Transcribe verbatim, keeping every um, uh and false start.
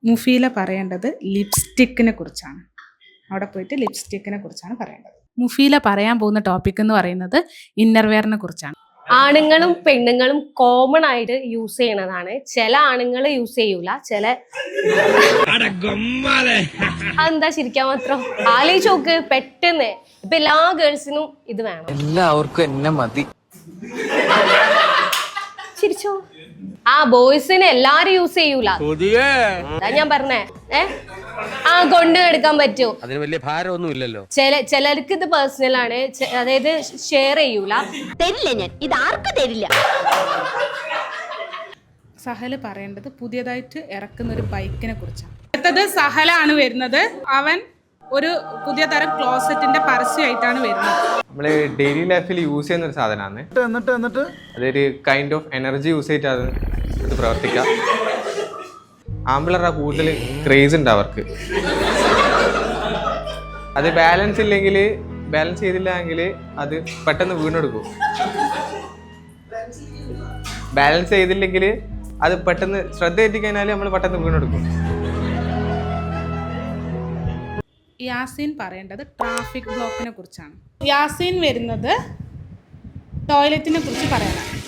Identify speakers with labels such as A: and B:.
A: മുഫീല പറയേണ്ടത് ലിപ്സ്റ്റിക്കിനെ കുറിച്ചാണ്. അവിടെ പോയിട്ട് ലിപ്സ്റ്റിക്കിനെ കുറിച്ചാണ് പറയേണ്ടത്. മുഫീല പറയാൻ പോകുന്ന ടോപ്പിക് എന്ന് പറയുന്നത് ഇന്നർവെയറിനെ കുറിച്ചാണ്.
B: ആണുങ്ങളും പെണ്ണുങ്ങളും കോമൺ ആയിട്ട് യൂസ് ചെയ്യണതാണ്. ചില ആണുങ്ങൾ യൂസ് ചെയ്യൂല, ചില അതെന്താ ചിരിക്കാൻ മാത്രം? ആലോചിച്ച് നോക്ക്, പെട്ടെന്ന് ഇപ്പൊ എല്ലാ ഗേൾസിനും ഇത് വേണം.
C: എല്ലാവർക്കും എന്നെ മതി.
B: ചിരിച്ചോ? ആ ബോയ്സിന് എല്ലാരും യൂസ് ചെയ്യൂല, അതാ ഞാൻ പറഞ്ഞേ. ഏ ആ കൊണ്ട് എടുക്കാൻ പറ്റൂ,
D: അതിന് വലിയ ഭാരമൊന്നും ഇല്ലല്ലോ.
B: ചില ചിലർക്ക് ഇത് പേഴ്സണൽ ആണ്, അതായത് ഷെയർ ചെയ്യൂല.
E: തരില്ല, ഞാൻ ഇത് ആർക്കും തരില്ല.
A: സഹല് പറയേണ്ടത് പുതിയതായിട്ട് ഇറക്കുന്ന ഒരു ബൈക്കിനെ കുറിച്ചാണ്. അടുത്തത് സഹലാണ് വരുന്നത്. അവൻ ഒരു പുതിയ തരം ക്ലോസറ്റിന്റെ പരസ്യമായിട്ടാണ് വരുന്നത്.
F: നമ്മള് ഡെയിലി ലൈഫിൽ യൂസ് ചെയ്യുന്ന ഒരു സാധനമാണ്.
G: എന്നിട്ട് എന്നിട്ട്
F: അതൊരു കൈൻഡ് ഓഫ് എനർജി യൂസ് ചെയ്തിട്ടാണ് ഇത് പ്രവർത്തിക്കാം. ആമ്പിളറാ കൂടുതൽ ക്രേസ് ഉണ്ട് അവർക്ക്. അത് ബാലൻസ് ഇല്ലെങ്കിൽ, ബാലൻസ് ചെയ്തില്ല എങ്കിൽ അത് പെട്ടെന്ന് വീണെടുക്കും. ബാലൻസ് ചെയ്തില്ലെങ്കിൽ അത് പെട്ടെന്ന് ശ്രദ്ധ എത്തിക്കഴിഞ്ഞാൽ നമ്മൾ പെട്ടെന്ന് വീണെടുക്കും.
A: യാസീൻ പറയേണ്ടത് ട്രാഫിക് ബ്ലോക്കിനെ കുറിച്ചാണ്. യാസീൻ വരുന്നത് ടോയ്ലറ്റിനെ കുറിച്ച് പറയാനാണ്.